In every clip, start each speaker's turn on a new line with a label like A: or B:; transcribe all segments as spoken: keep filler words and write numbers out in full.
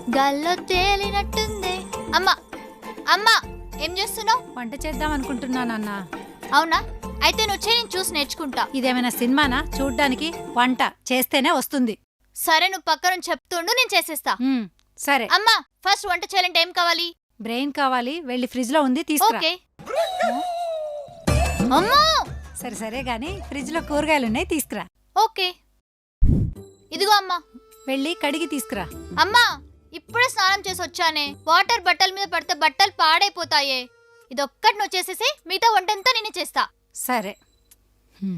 A: గాల్లో తేలినట్టుంది. అమ్మా అమ్మా ఏం చేస్తున్నావు?
B: వంట చేద్దాం అనుకుంటున్నానన్నా.
A: అవునా? అయితే నువ్వు చేయి, నేను చూసి నేర్చుకుంటా.
B: ఇదేమైనా సినిమానా చూడ్డానికి? వంట చేస్తేనే వస్తుంది.
A: సరే, నువ్వు పక్కన చెప్తుండు, నేను చేసేస్తా.
B: ఉమ్, సరే.
A: అమ్మా ఫస్ట్ వంట చేయాలంటే ఏం కావాలి?
B: బ్రెయిన్ కావాలి, వెళ్ళి ఫ్రిడ్జ్ లో ఉంది తీసుకురా.
A: ఓకే. అమ్మా
B: సరే సరే గాని ఫ్రిడ్జ్ లో కూరగాయలున్నాయి తీసుకురా.
A: ఓకే, ఇదిగో అమ్మా.
B: వెళ్ళి కడిగి తీసుకురా.
A: అమ్మా ఇప్పుడే స్నానం చేసి వచ్చానే, వాటర్ బట్టల మీద పడితే బట్టలు పాడైపోతాయే. ఇదొక్కటి నువ్వు చేసేసి మిగతా వంటంతా నేనే చేస్తా.
B: సరే. హ్మ్.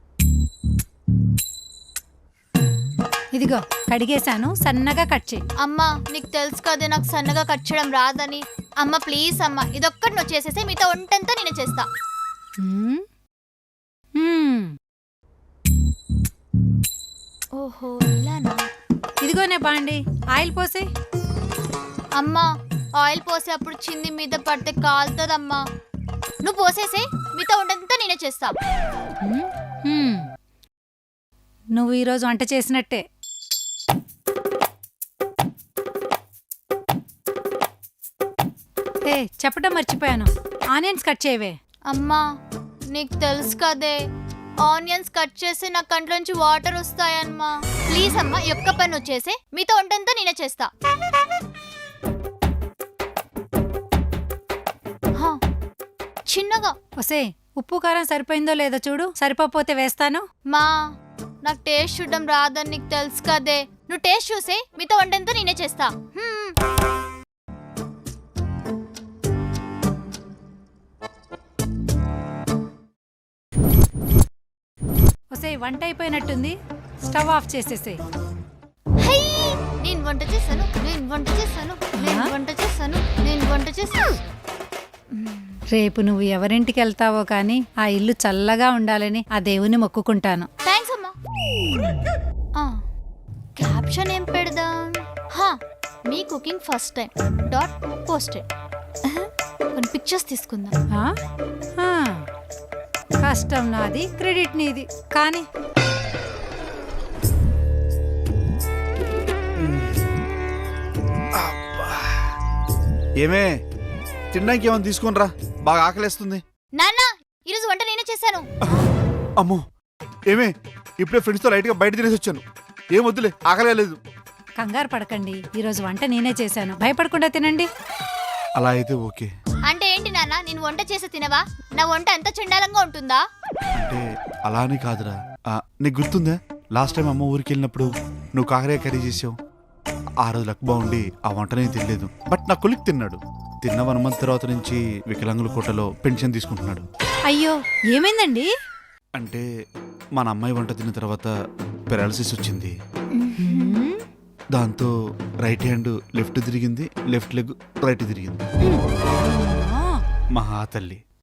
B: ఇదిగో కడిగేశాను, సన్నగా కట్ చేయి.
A: అమ్మా నీకు తెలుసు కదే నాకు సన్నగా కట్ చేయడం రాదని. అమ్మ ప్లీజ్ అమ్మా, ఇదొక్కటి నువ్వు చేసేసి మిగతా వంటంతా నేనే చేస్తా.
B: హ్మ్. హ్మ్.
A: ఓహో ఇలానా?
B: ఇదిగోనే బాండి, ఆయిల్ పోసి.
A: అమ్మా ఆయిల్ పోసే అప్పుడు చింది మీద పడితే కాలుతుందమ్మా. నువ్వు పోసేసే, మిగతా వంటంతా నేనే చేస్తా.
B: హ్మ్. హ్మ్. నువ్వు ఈరోజు వంట చేసినట్టే. ఏ చెప్పడం మర్చిపోయాను, ఆనియన్స్ కట్ చేయవే.
A: అమ్మా నీకు తెలుసు కదే, ఆనియన్స్ కట్ చేసి నా కంట్లోంచి వాటర్ వస్తాయమ్మా. ప్లీజ్ అమ్మా, ఈ ఒక్క పని వచ్చేసి మీతో వంటంతా నేనే చేస్తా. హా, చిన్నగా.
B: ఒసే ఉప్పు కారం సరిపోయిందో లేదో చూడు, సరిపోతే వేస్తాను.
A: మా నాకు టేస్ట్ చూడడం రాదని నీకు తెలుసు కదే. నువ్వు టేస్ట్ చూసే, మీతో వంటంతా నేనే చేస్తా. హ్మ్.
B: ఒసే వంట అయిపోయినట్టుంది, స్టవ్ ఆఫ్ చేసేసే.
A: హై, నేను వంట చేశాను, నేను వంట చేశాను, నేను వంట చేశాను, నేను వంట చేశాను.
B: రేపు నువ్వు ఎవరింటికి వెళ్తావో కానీ ఆ ఇల్లు చల్లగా ఉండాలని ఆ దేవుని మొక్కుకుంటాను.
A: థ్యాంక్స్ అమ్మా. క్యాప్షన్ ఏం పెడదాం? హా, మీ cooking first time dot posted. కొన్ని పిక్చర్స్ తీసుకుందాం.
B: ఆ? ఆ. కష్టం నాది, క్రెడిట్ నీది. కానీ
C: ఏమే తినడానికి ఏమైనా తీసుకుని రా, బాగా ఆకలేస్తుంది.
A: నాన్న ఈరోజు వంట నేనే చేశాను.
C: అమ్మో ఏమే, ఇప్పుడే ఫ్రెండ్స్తో లైట్గా బయట తినేసి వచ్చాను. ఏం వద్దులే, ఆకలే లేదు.
B: కంగారు పడకండి, ఈరోజు వంట నేనే చేశాను, భయపడకుండా తినండి.
C: అలా అయితే ఓకే.
A: అంటే ఏంటి నాన్న, నేను వంట చేసి తినవా? నా వంట ఎంత చండాలంగా ఉంటుందా?
C: అంటే అలా అని కాదురా. ఆ, నీకు గుర్తుందా లాస్ట్ టైం అమ్మ ఊరికి వెళ్ళినప్పుడు నువ్వు కాకరకాయ కర్రీ చేసావు? ఆ రోజు లక్ బాగుండి ఆ వంట నేను తినలేదు, బట్ నా కొలిక్ తిన్నాడు. తిన్న వన్ మంత్ తర్వాత నుంచి వికలాంగుల కోటలో పెన్షన్ తీసుకుంటున్నాడు.
B: అయ్యో ఏమైందండి?
C: అంటే మన అమ్మాయి వంట తిన్న తర్వాత పెరాలసిస్ వచ్చింది. దాంతో రైట్ హ్యాండ్ లెఫ్ట్ తిరిగింది, లెఫ్ట్ లెగ్ రైట్ తిరిగింది. మహా తల్లి.